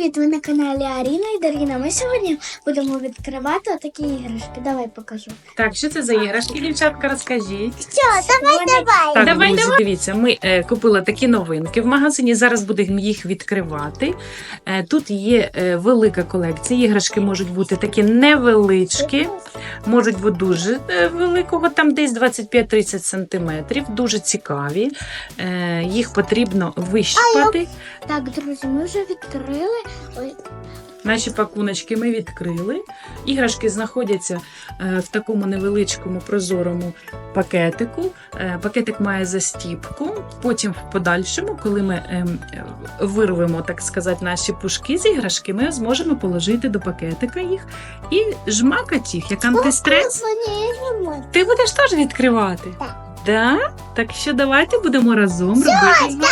привіт! Ви на каналі Аріна і Даріна. Ми сьогодні будемо відкривати отакі іграшки. Давай покажу. Так, що це за іграшки, дівчатка, розкажіть. Що, давай. Так, Давай. друзі, дивіться, ми купили такі новинки в магазині, зараз будемо їх відкривати. Тут є велика колекція, іграшки можуть бути такі невеличкі, можуть бути дуже великого, там десь 25-30 см, дуже цікаві. Їх потрібно вищипати. Так, друзі, ми вже відкрили. Ой. Наші пакуночки ми відкрили. Іграшки знаходяться в такому невеличкому прозорому пакетику. Пакетик має застіпку. Потім в подальшому, коли ми вирвемо, так сказати, наші пушки з іграшки, ми зможемо положити до пакетика їх і жмакати їх, як антистрес. Ти будеш теж відкривати? Так. Да? Так що давайте будемо разом робити.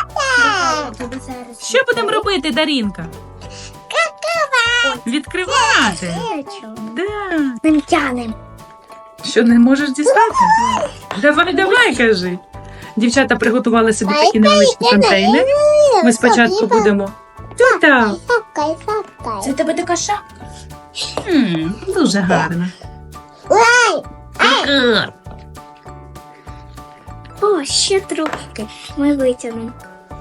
Що будемо робити, Дарінка? Відкривати. Да. Ми тянемо. Що, не можеш дістати? Давай, кажи. Дівчата приготували собі такі невеличкі контейнери. Ми спочатку будемо... Та-та. Це тебе така шапка? Дуже гарно. О, ще трубки. Ми витягнемо.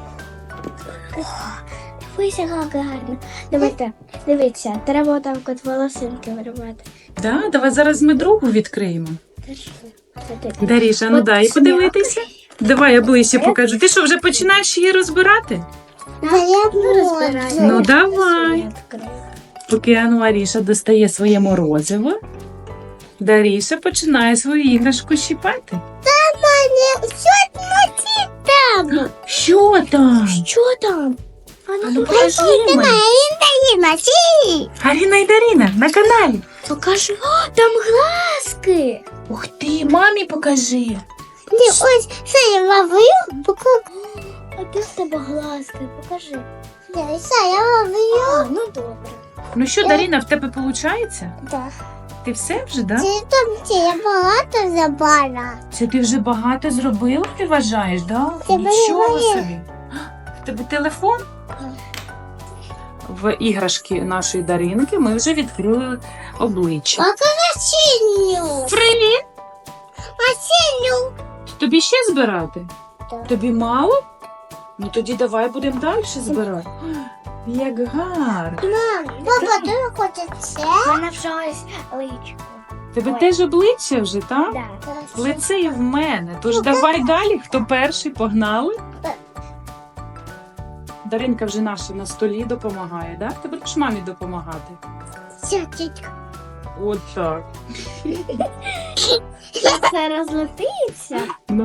Дивися, як гарно. Давайте, дивіться, треба отак от волосинки виривати. Да, давай зараз ми другу відкриємо. Це ти. Даріша, ну От дай смак. подивитися. Давай, я ближче покажу. Ти що, вже починаєш її розбирати? Ну, давай. Поки Аріша достає своє морозиво, Даріша починає свою іграшку щіпати. Що там? Що там? Ну, покажи мені. Аріна і Даріна на каналі. Покажи. О, там глазки. Ух ти, мамі покажи. Ось це я ловлю. А де в тебе глазки? Покажи. Я ловлю. Ну добре. Ну що, Даріна, в тебе виходить? Так. Ти все вже, да? Я багато забрала. Це ти вже багато зробила, ти вважаєш, да? Це Нічого моє. собі. В тебе телефон? В іграшки нашої Даринки ми вже відкрили обличчя. Синю. Привіт! Синю. Тобі ще збирати? Так. Тобі мало? Ну тоді давай будемо далі збирати. Як гарно. Папа, ти хочеш це? У мене вже ось личко. Тебе Ой. теж обличчя вже, так? Так. Лице і в мене. Тож давай далі, хто перший, погнали. Даринка вже наша на столі допомагає, так? Ти будеш мамі допомагати. Все, тітка. От так. Це розлетиться. Ну.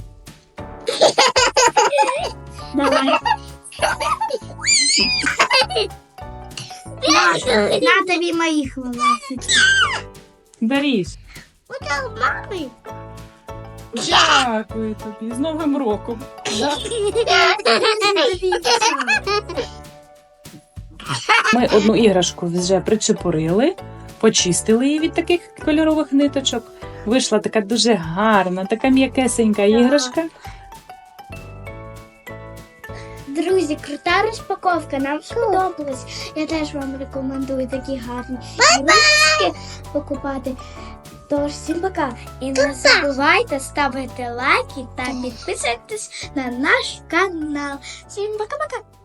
Давай. На тобі моїх волосиків. Даріш, Отак мами. дякую тобі. З Новим роком. Да? Ми одну іграшку вже причепурили, почистили її від таких кольорових ниточок. Вийшла така дуже гарна, така м'якесенька іграшка. Друзі, крута розпаковка, нам сподобалось. Я теж вам рекомендую такі гарні іграшки покупати. Тож, всім пока. І не забувайте ставити лайки та підписуйтесь на наш канал. Всім пока-пока.